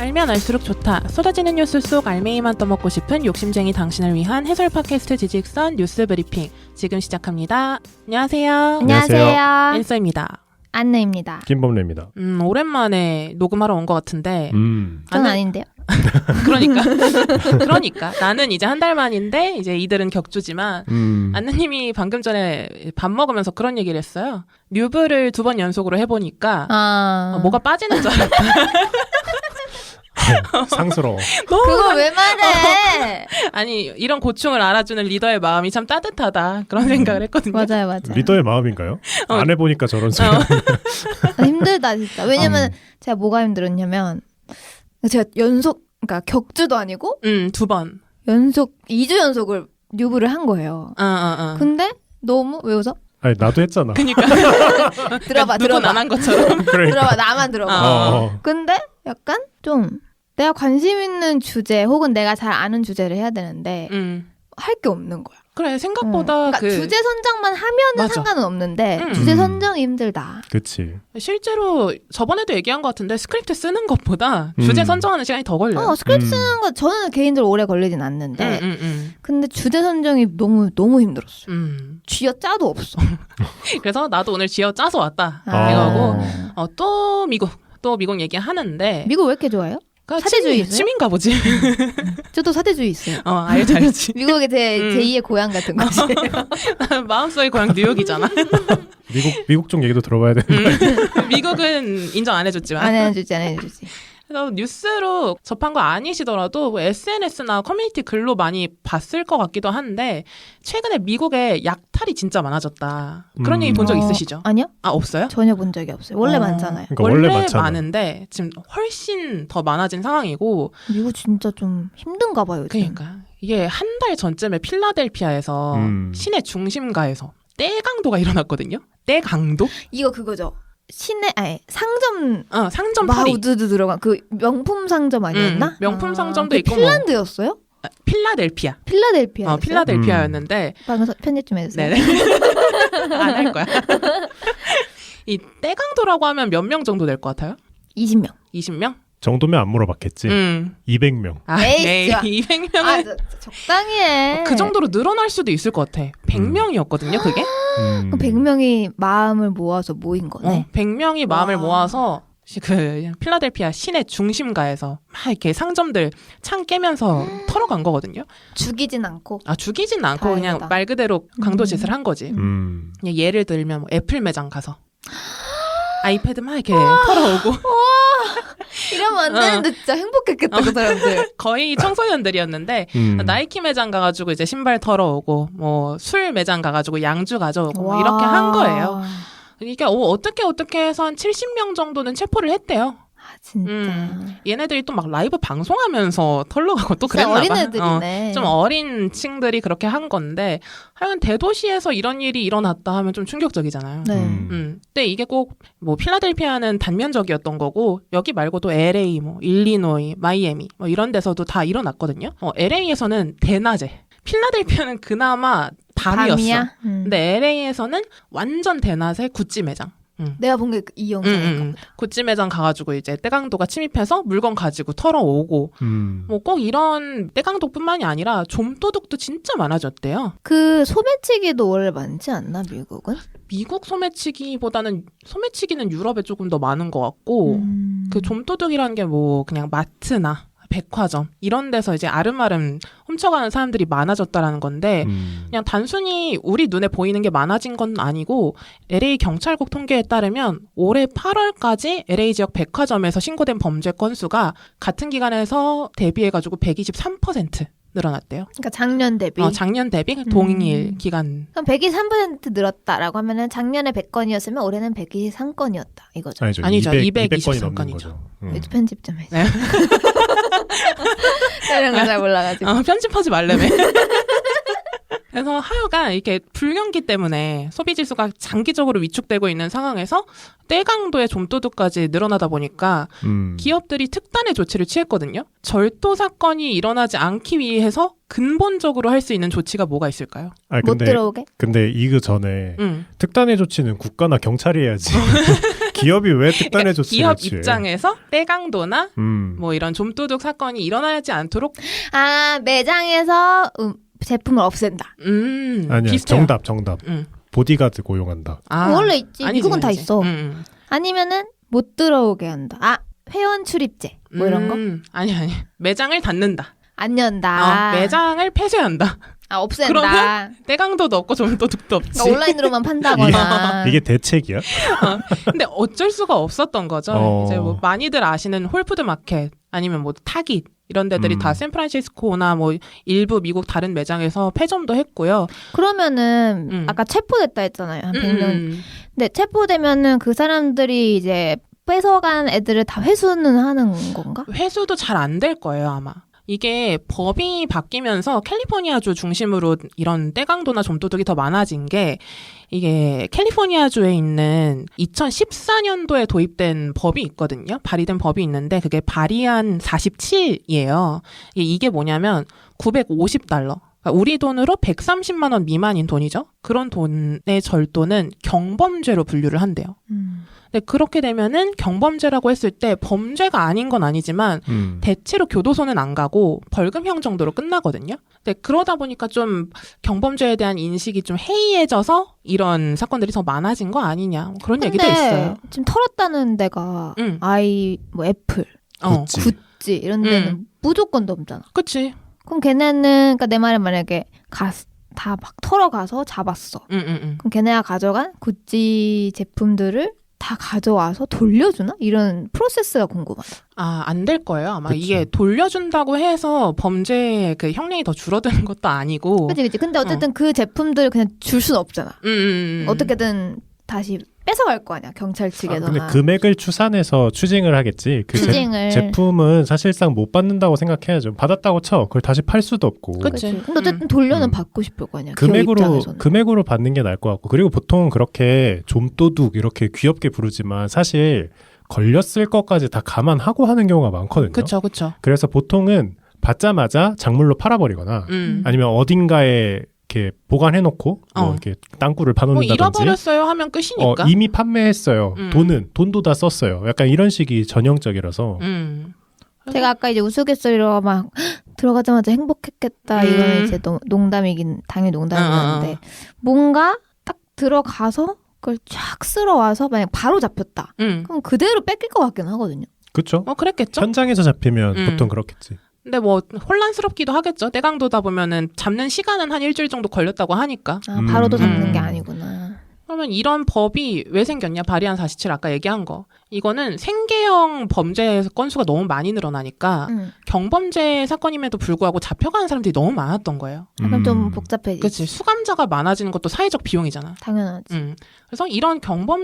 알면 알수록 좋다. 쏟아지는 뉴스 속 알맹이만 떠먹고 싶은 욕심쟁이 당신을 위한 해설 팟캐스트 지직선 뉴스 브리핑 지금 시작합니다. 안녕하세요. 안녕하세요. 엔서입니다. 안느입니다. 김범래입니다. 오랜만에 녹음하러 온 것 같은데 저는 아닌데요. 그러니까 나는 이제 한 달 만인데 이제 이들은 격주지만 안느님이 방금 전에 밥 먹으면서 그런 얘기를 했어요. 류브를 2번 연속으로 해보니까 뭐가 빠지는 줄 알았다. 상스러워. 그거 왜 말해? 아니 이런 고충을 알아주는 리더의 마음이 참 따뜻하다 그런 생각을 했거든요. 맞아요. 리더의 마음인가요? 안 해보니까 저런 소리. 힘들다 진짜. 왜냐면 제가 뭐가 힘들었냐면 제가 그러니까 격주도 아니고 2번 2주 연속을 뉴브를 한 거예요. 근데 너무 왜 웃어? 아니 나도 했잖아. 그러니까 들어봐. 누군 안 한 것처럼. 들어봐. 나만 들어봐. 근데 약간 좀 내가 관심 있는 주제 혹은 내가 잘 아는 주제를 해야 되는데 할 게 없는 거야. 그래 생각보다 그러니까 주제 선정만 하면은 맞아. 상관은 없는데 주제 선정이 힘들다. 그치. 실제로 저번에도 얘기한 것 같은데 스크립트 쓰는 것보다 주제 선정하는 시간이 더 걸려요. 스크립트 쓰는 거 저는 개인적으로 오래 걸리진 않는데 근데 주제 선정이 너무 힘들었어요. 쥐어 짜도 없어. 그래서 나도 오늘 쥐어 짜서 왔다. 이거고 또 미국 얘기하는데 미국 왜 이렇게 좋아해요? 사대주의 있어요? 취미인가 보지. 저도 사대주의 있어요. 알지. 미국의 제2의 고향 같은 거지. 마음속의 고향 뉴욕이잖아. 미국 쪽 얘기도 들어봐야 되는 거야. 미국은 인정 안 해줬지만. 안 해주지. 그래서 뉴스로 접한 거 아니시더라도 SNS나 커뮤니티 글로 많이 봤을 것 같기도 한데 최근에 미국에 약탈이 진짜 많아졌다. 그런 얘기 본 적 있으시죠? 아니요. 없어요? 전혀 본 적이 없어요. 원래 많잖아요. 그러니까 원래 많잖아. 많은데 지금 훨씬 더 많아진 상황이고 미국 진짜 좀 힘든가 봐요. 요즘. 그러니까 이게 한 달 전쯤에 필라델피아에서 시내 중심가에서 떼강도가 일어났거든요. 떼강도? 이거 그거죠. 상점 상점 막 탈이 우드드 들어간 그 명품 상점 아니었나? 명품 상점도 있고 핀란드였어요? 필라델피아. 필라델피아. 필라델피아였는데 방금 편집 좀 해주세요. 네네. 안 할 거야. 이 떼강도라고 하면 몇 명 정도 될 것 같아요? 20명. 20명? 정도면 안 물어봤겠지. 200명. 에이 200명은 적당히 해. 그 정도로 늘어날 수도 있을 것 같아. 100명이었거든요, 그게. 그럼 100명이 마음을 모아서 모인 거네. 100명이 마음을 모아서 그 필라델피아 시내 중심가에서 막 이렇게 상점들 창 깨면서 털어간 거거든요. 죽이진 않고. 죽이진 않고 다행이다. 그냥 말 그대로 강도짓을 한 거지. 그냥 예를 들면 뭐 애플 매장 가서 아이패드 막 이렇게 털어오고. 이러면 안 되는데 진짜 행복했겠다 그 사람들. 거의 청소년들이었는데 나이키 매장 가가지고 이제 신발 털어오고 뭐 술 매장 가가지고 양주 가져오고 뭐 이렇게 한 거예요. 이게 어떻게 해서 한 70명 정도는 체포를 했대요. 진짜. 얘네들이 또 막 라이브 방송하면서 털러가고 또 그랬나 봐. 어린애들이네. 좀 어린 층들이 그렇게 한 건데 하여간 대도시에서 이런 일이 일어났다 하면 좀 충격적이잖아요. 네. 근데 이게 꼭 뭐 필라델피아는 단면적이었던 거고 여기 말고도 LA, 뭐 일리노이, 마이애미 뭐 이런 데서도 다 일어났거든요. LA에서는 대낮에, 필라델피아는 그나마 밤이었어. 근데 LA에서는 완전 대낮에 구찌 매장. 내가 본 게 이 영상인 거. 구찌 매장 가가지고 이제 떼강도가 침입해서 물건 가지고 털어오고 뭐 꼭 이런 떼강도뿐만이 아니라 좀도둑도 진짜 많아졌대요. 그 소매치기도 원래 많지 않나 미국은? 미국 소매치기는 유럽에 조금 더 많은 것 같고 그 좀도둑이라는 게 뭐 그냥 마트나 백화점 이런 데서 이제 아름아름 훔쳐가는 사람들이 많아졌다라는 건데 그냥 단순히 우리 눈에 보이는 게 많아진 건 아니고 LA 경찰국 통계에 따르면 올해 8월까지 LA 지역 백화점에서 신고된 범죄 건수가 같은 기간에서 대비해가지고 123% 늘어났대요. 그러니까 작년 대비. 작년 대비 동일 기간. 그럼 123% 늘었다라고 하면은 작년에 100건이었으면 올해는 123건이었다 이거죠. 아니죠. 200건이 넘는 223건이죠. 거죠. 편집 좀 해주세요. 이런 거 잘 몰라가지고. 편집하지 말래매. 그래서 하여간 이렇게 불경기 때문에 소비 지수가 장기적으로 위축되고 있는 상황에서 떼강도의 좀도둑까지 늘어나다 보니까 기업들이 특단의 조치를 취했거든요. 절도 사건이 일어나지 않기 위해서 근본적으로 할 수 있는 조치가 뭐가 있을까요? 못 들어오게? 근데 이그 전에 특단의 조치는 국가나 경찰이 해야지. 기업이 왜 특단의 조치를 기업 취해? 입장에서 떼강도나 뭐 이런 좀도둑 사건이 일어나지 않도록 매장에서 제품을 없앤다. 아니야. 비슷해요. 정답. 보디가드 고용한다. 원래 있지. 미국은 다 아니지. 있어. 아니면은 못 들어오게 한다. 회원 출입제 뭐 이런 거? 아니. 매장을 닫는다. 안 연다. 매장을 폐쇄한다. 없앤다. 그러면 떼강도도 없고 좀도둑도 없지. 그러니까 온라인으로만 판다거나. 이게 대책이야? 근데 어쩔 수가 없었던 거죠. 이제 뭐 많이들 아시는 홀푸드 마켓 아니면 뭐 타깃 이런 데들이 다 샌프란시스코나 뭐 일부 미국 다른 매장에서 폐점도 했고요. 그러면은 아까 체포됐다 했잖아요. 한 100명. 근데 체포되면은 그 사람들이 이제 뺏어간 애들을 다 회수는 하는 건가? 회수도 잘 안 될 거예요, 아마. 이게 법이 바뀌면서 캘리포니아주 중심으로 이런 떼강도나 좀도둑이 더 많아진 게 이게 캘리포니아주에 있는 2014년도에 도입된 법이 있거든요. 발의된 법이 있는데 그게 발의안 47이에요. 이게 뭐냐면 $950. 그러니까 우리 돈으로 130만 원 미만인 돈이죠. 그런 돈의 절도는 경범죄로 분류를 한대요. 근데 그렇게 되면은 경범죄라고 했을 때 범죄가 아닌 건 아니지만 대체로 교도소는 안 가고 벌금형 정도로 끝나거든요. 근데 그러다 보니까 좀 경범죄에 대한 인식이 좀 해이해져서 이런 사건들이 더 많아진 거 아니냐 뭐 그런 얘기도 있어요. 지금 털었다는 데가 뭐 애플, 구찌 이런 데는 무조건 넘잖아. 그치. 그럼 걔네는 그러니까 내 말은 만약에 다 막 털어가서 잡았어. 그럼 걔네가 가져간 구찌 제품들을 다 가져와서 돌려주나? 이런 프로세스가 궁금하다. 안 될 거예요. 아마 그치. 이게 돌려준다고 해서 범죄의 그 형량이 더 줄어드는 것도 아니고. 그치. 근데 어쨌든 그 제품들을 그냥 줄 수는 없잖아. 어떻게든 다시 뺏어갈 거 아니야, 경찰 측에서나. 근데 금액을 추산해서 추징을 하겠지. 그 제품은 사실상 못 받는다고 생각해야죠. 받았다고 쳐. 그걸 다시 팔 수도 없고. 그치. 근데 어쨌든 돌려는 받고 싶을 거 아니야. 금액으로 받는 게 나을 것 같고. 그리고 보통 그렇게 좀도둑 이렇게 귀엽게 부르지만 사실 걸렸을 것까지 다 감안하고 하는 경우가 많거든요. 그쵸. 그래서 보통은 받자마자 작물로 팔아버리거나 아니면 어딘가에 이렇게 보관해놓고 뭐 이렇게 땅굴을 파놓는다든지 뭐 잃어버렸어요 하면 끝이니까. 이미 판매했어요. 돈도 다 썼어요. 약간 이런 식이 전형적이라서. 제가 아까 이제 우스갯소리로 막 들어가자마자 행복했겠다 이거는 이제 농담이긴 당연히 농담이었는데 뭔가 딱 들어가서 그걸 쫙 쓸어와서 만약 바로 잡혔다. 그럼 그대로 뺏길 것 같긴 하거든요. 그렇죠. 그랬겠죠. 현장에서 잡히면 보통 그렇겠지. 근데 뭐 혼란스럽기도 하겠죠. 떼강도다 보면은 잡는 시간은 한 일주일 정도 걸렸다고 하니까. 바로도 잡는 게 아니구나. 그러면 이런 법이 왜 생겼냐? 발의안 47 아까 얘기한 거. 이거는 생계형 범죄 건수가 너무 많이 늘어나니까 경범죄 사건임에도 불구하고 잡혀가는 사람들이 너무 많았던 거예요. 약간 좀 복잡해지지. 그치. 수감자가 많아지는 것도 사회적 비용이잖아. 당연하지. 그래서 이런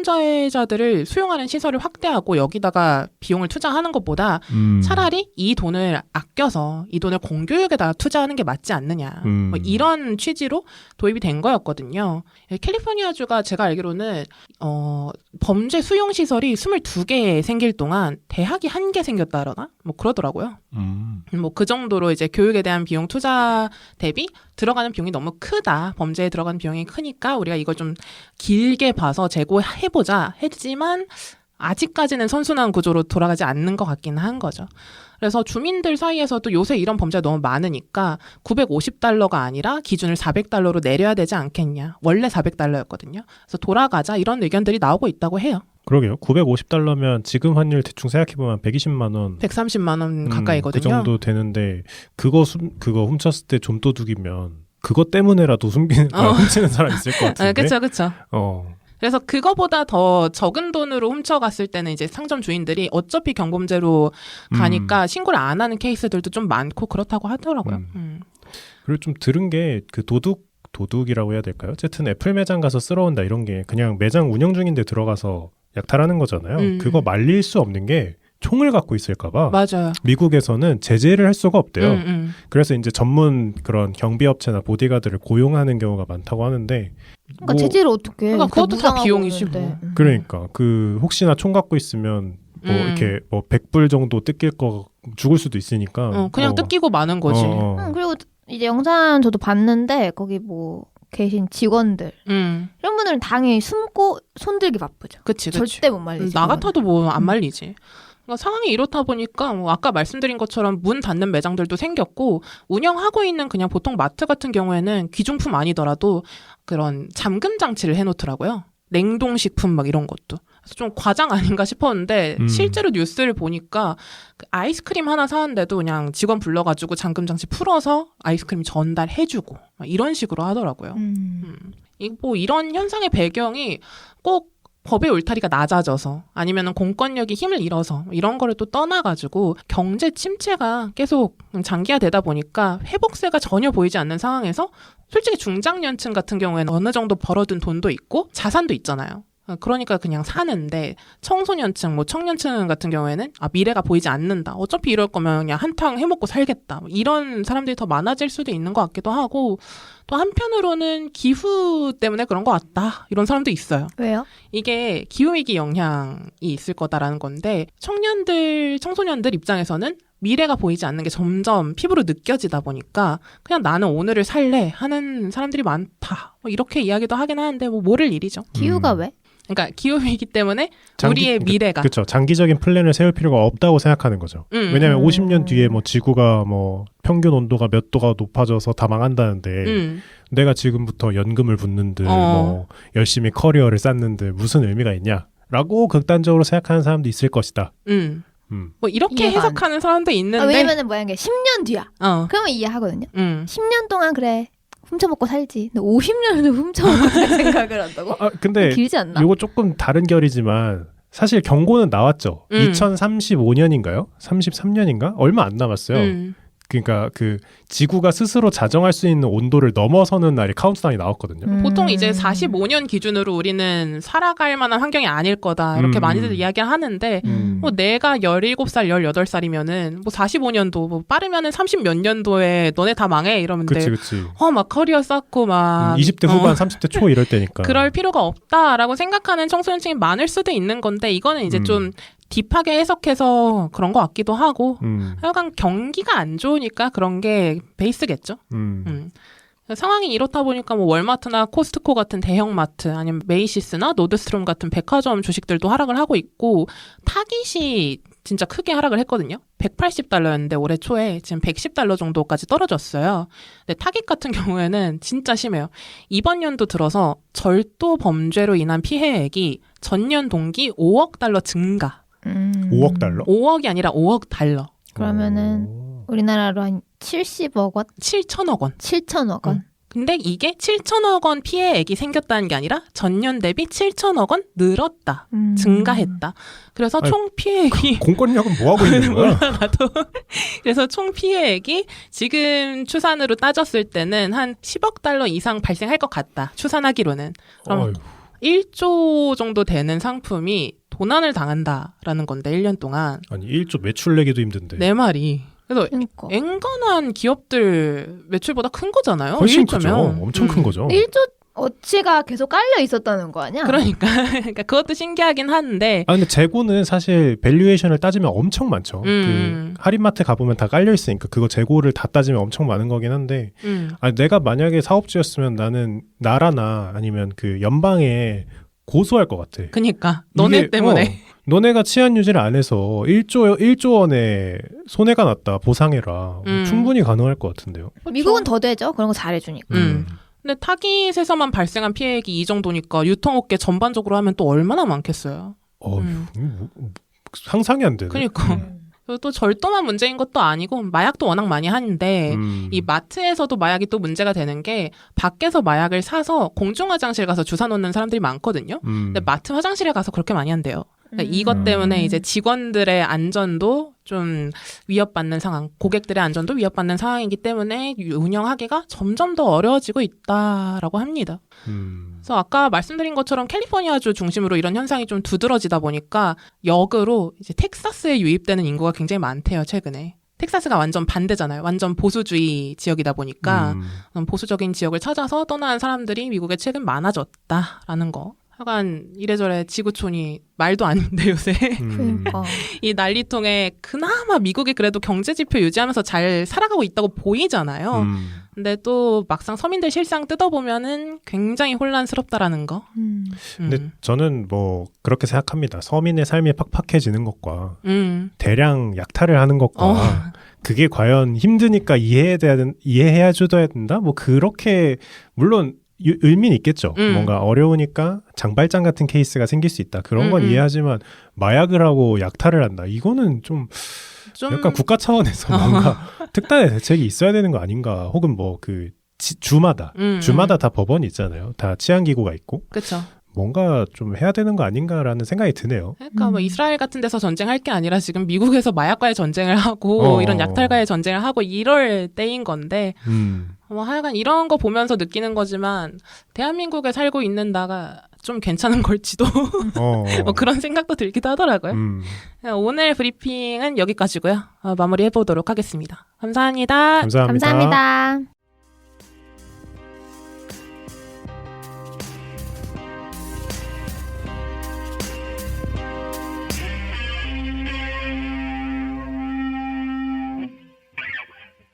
경범죄자들을 수용하는 시설을 확대하고 여기다가 비용을 투자하는 것보다 차라리 이 돈을 아껴서 이 돈을 공교육에다 투자하는 게 맞지 않느냐. 뭐 이런 취지로 도입이 된 거였거든요. 캘리포니아주가 제가 알기로는 범죄 수용 시설이 22개 생길 동안 대학이 1개 생겼다거나 뭐 그러더라고요. 뭐 그 정도로 이제 교육에 대한 비용 투자 대비 들어가는 비용이 너무 크다. 범죄에 들어가는 비용이 크니까 우리가 이걸 좀 길게 봐서 재고해보자 했지만 아직까지는 선순환 구조로 돌아가지 않는 것 같기는 한 거죠. 그래서 주민들 사이에서도 요새 이런 범죄가 너무 많으니까 $950가 아니라 기준을 $400로 내려야 되지 않겠냐. 원래 $400였거든요. 그래서 돌아가자 이런 의견들이 나오고 있다고 해요. 그러게요. $950면 지금 환율 대충 생각해보면 120만 원. 130만 원 가까이거든요. 그 정도 되는데 그거 훔쳤을 때 좀도둑이면 그것 때문에라도 훔치는 사람 있을 것 같은데. 그쵸. 그래서 그거보다 더 적은 돈으로 훔쳐갔을 때는 이제 상점 주인들이 어차피 경범죄로 가니까 신고를 안 하는 케이스들도 좀 많고 그렇다고 하더라고요. 그리고 좀 들은 게 그 도둑이라고 해야 될까요? 어쨌든 애플 매장 가서 쓸어온다 이런 게 그냥 매장 운영 중인데 들어가서 약탈하는 거잖아요. 그거 말릴 수 없는 게 총을 갖고 있을까봐 맞아요. 미국에서는 제재를 할 수가 없대요. 그래서 이제 전문 그런 경비업체나 보디가드를 고용하는 경우가 많다고 하는데 그러니까 제재를 어떻게? 그러니까 그것도 다 비용이지 뭐. 그러니까 그 혹시나 총 갖고 있으면 뭐 이렇게 뭐 100불 정도 뜯길 거 죽을 수도 있으니까 그냥 뜯기고 마는 거지. 그리고 이제 영상 저도 봤는데 거기 뭐 계신 직원들 이런 분들은 당연히 숨고 손들기 바쁘죠. 그치. 절대 못 말리지. 나 같아도 뭐 안 말리지. 그러니까 상황이 이렇다 보니까 뭐 아까 말씀드린 것처럼 문 닫는 매장들도 생겼고 운영하고 있는 그냥 보통 마트 같은 경우에는 귀중품 아니더라도 그런 잠금 장치를 해놓더라고요. 냉동식품 막 이런 것도. 그래서 좀 과장 아닌가 싶었는데 실제로 뉴스를 보니까 그 아이스크림 하나 사는데도 그냥 직원 불러가지고 잠금 장치 풀어서 아이스크림 전달해주고 막 이런 식으로 하더라고요. 뭐 이런 현상의 배경이 꼭 법의 울타리가 낮아져서 아니면 공권력이 힘을 잃어서 이런 거를 또 떠나가지고 경제 침체가 계속 장기화되다 보니까 회복세가 전혀 보이지 않는 상황에서 솔직히 중장년층 같은 경우에는 어느 정도 벌어둔 돈도 있고 자산도 있잖아요. 그러니까 그냥 사는데 청소년층, 뭐 청년층 같은 경우에는 미래가 보이지 않는다. 어차피 이럴 거면 그냥 한탕 해먹고 살겠다. 이런 사람들이 더 많아질 수도 있는 것 같기도 하고 또 한편으로는 기후 때문에 그런 것 같다. 이런 사람도 있어요. 왜요? 이게 기후위기 영향이 있을 거다라는 건데 청소년들 입장에서는 미래가 보이지 않는 게 점점 피부로 느껴지다 보니까 그냥 나는 오늘을 살래 하는 사람들이 많다. 뭐 이렇게 이야기도 하긴 하는데 뭐 모를 일이죠. 기후가 왜? 그러니까 기후위기 때문에 우리의 미래가 그렇죠. 장기적인 플랜을 세울 필요가 없다고 생각하는 거죠. 왜냐하면 50년 뒤에 뭐 지구가 뭐 평균 온도가 몇 도가 높아져서 다 망한다는데 내가 지금부터 연금을 붓는들 뭐 열심히 커리어를 쌓는들 무슨 의미가 있냐라고 극단적으로 생각하는 사람도 있을 것이다. 뭐 이렇게 해석하는 사람도 있는데 왜냐면은 뭐야 이게 10년 뒤야. 그러면 이해하거든요. 10년 동안 그래. 훔쳐먹고 살지. 근데 50년을 훔쳐먹고 살 생각을 한다고? 근데 길지 않나? 이거 조금 다른 결이지만 사실 경고는 나왔죠. 2035년인가요? 33년인가? 얼마 안 남았어요. 그러니까 그 지구가 스스로 자정할 수 있는 온도를 넘어서는 날이 카운트다운이 나왔거든요. 보통 이제 45년 기준으로 우리는 살아갈 만한 환경이 아닐 거다 이렇게 많이들 이야기를 하는데 뭐 내가 17살, 18살이면은 뭐 45년도 뭐 빠르면은 30 몇 년도에 너네 다 망해 이러는데 그치. 막 커리어 쌓고 막 20대 후반, 30대 초 이럴 때니까. 그럴 필요가 없다라고 생각하는 청소년층이 많을 수도 있는 건데 이거는 이제 좀 딥하게 해석해서 그런 것 같기도 하고 하여간 경기가 안 좋으니까 그런 게 베이스겠죠. 상황이 이렇다 보니까 뭐 월마트나 코스트코 같은 대형마트 아니면 메이시스나 노드스트롬 같은 백화점 주식들도 하락을 하고 있고 타깃이 진짜 크게 하락을 했거든요. 180달러였는데 올해 초에 지금 110달러 정도까지 떨어졌어요. 근데 타깃 같은 경우에는 진짜 심해요. 이번 연도 들어서 절도 범죄로 인한 피해액이 전년 동기 5억 달러 증가. 5억 달러? 5억이 아니라 5억 달러. 그러면은 우리나라로 한 70억 원? 7천억 원. 7천억 원. 근데 이게 7천억 원 피해액이 생겼다는 게 아니라 전년 대비 7천억 원 늘었다. 증가했다. 그래서 총 피해액이 공권력은 뭐 하고 있는 거야? 몰라 나도. 그래서 총 피해액이 지금 추산으로 따졌을 때는 한 10억 달러 이상 발생할 것 같다. 추산하기로는. 그럼 1조 정도 되는 상품이 도난을 당한다라는 건데 1년 동안. 아니 1조 매출 내기도 힘든데. 내 말이. 그래서 그러니까. 앵간한 기업들 매출보다 큰 거잖아요. 훨씬 1조면. 크죠. 엄청 큰 거죠. 1조 어치가 계속 깔려 있었다는 거 아니야? 그러니까 그것도 신기하긴 한데. 근데 재고는 사실 밸류에이션을 따지면 엄청 많죠. 그 할인마트 가보면 다 깔려 있으니까 그거 재고를 다 따지면 엄청 많은 거긴 한데. 내가 만약에 사업주였으면 나는 나라나 아니면 그 연방에 고소할 것 같아. 그니까 너네 때문에. 너네가 치안 유지를 안 해서 1조 원의 손해가 났다. 보상해라. 충분히 가능할 것 같은데요. 미국은 더 되죠. 그런 거 잘해주니까. 근데 타깃에서만 발생한 피해액이 이 정도니까 유통업계 전반적으로 하면 또 얼마나 많겠어요. 상상이 안 되네. 그러니까. 그리고 또 절도만 문제인 것도 아니고 마약도 워낙 많이 하는데 이 마트에서도 마약이 또 문제가 되는 게 밖에서 마약을 사서 공중화장실 가서 주사 놓는 사람들이 많거든요. 근데 마트 화장실에 가서 그렇게 많이 한대요. 그러니까 이것 때문에 이제 직원들의 안전도 좀 위협받는 상황, 고객들의 안전도 위협받는 상황이기 때문에 운영하기가 점점 더 어려워지고 있다라고 합니다. 그래서 아까 말씀드린 것처럼 캘리포니아주 중심으로 이런 현상이 좀 두드러지다 보니까 역으로 이제 텍사스에 유입되는 인구가 굉장히 많대요, 최근에. 텍사스가 완전 반대잖아요. 완전 보수주의 지역이다 보니까 보수적인 지역을 찾아서 떠나는 사람들이 미국에 최근 많아졌다라는 거. 하여간 이래저래 지구촌이 말도 안 돼 요새. 그러니까. 이 난리통에 그나마 미국이 그래도 경제 지표 유지하면서 잘 살아가고 있다고 보이잖아요. 근데 또 막상 서민들 실상 뜯어보면은 굉장히 혼란스럽다라는 거. 근데 저는 뭐 그렇게 생각합니다. 서민의 삶이 팍팍해지는 것과 대량 약탈을 하는 것과 그게 과연 힘드니까 이해해야 줘야 된다? 뭐 그렇게 물론 의미는 있겠죠. 뭔가 어려우니까 장발장 같은 케이스가 생길 수 있다. 그런 건 이해하지만 마약을 하고 약탈을 한다. 이거는 좀 약간 국가 차원에서 뭔가 특단의 대책이 있어야 되는 거 아닌가. 혹은 뭐 그 주마다 다 법원이 있잖아요. 다 치안기구가 있고. 그렇죠. 뭔가 좀 해야 되는 거 아닌가라는 생각이 드네요. 그러니까 뭐 이스라엘 같은 데서 전쟁할 게 아니라 지금 미국에서 마약과의 전쟁을 하고 이런 약탈과의 전쟁을 하고 이럴 때인 건데 뭐 하여간 이런 거 보면서 느끼는 거지만 대한민국에 살고 있는 나가 좀 괜찮은 걸지도 뭐 그런 생각도 들기도 하더라고요. 오늘 브리핑은 여기까지고요. 마무리해보도록 하겠습니다. 감사합니다. 감사합니다. 감사합니다.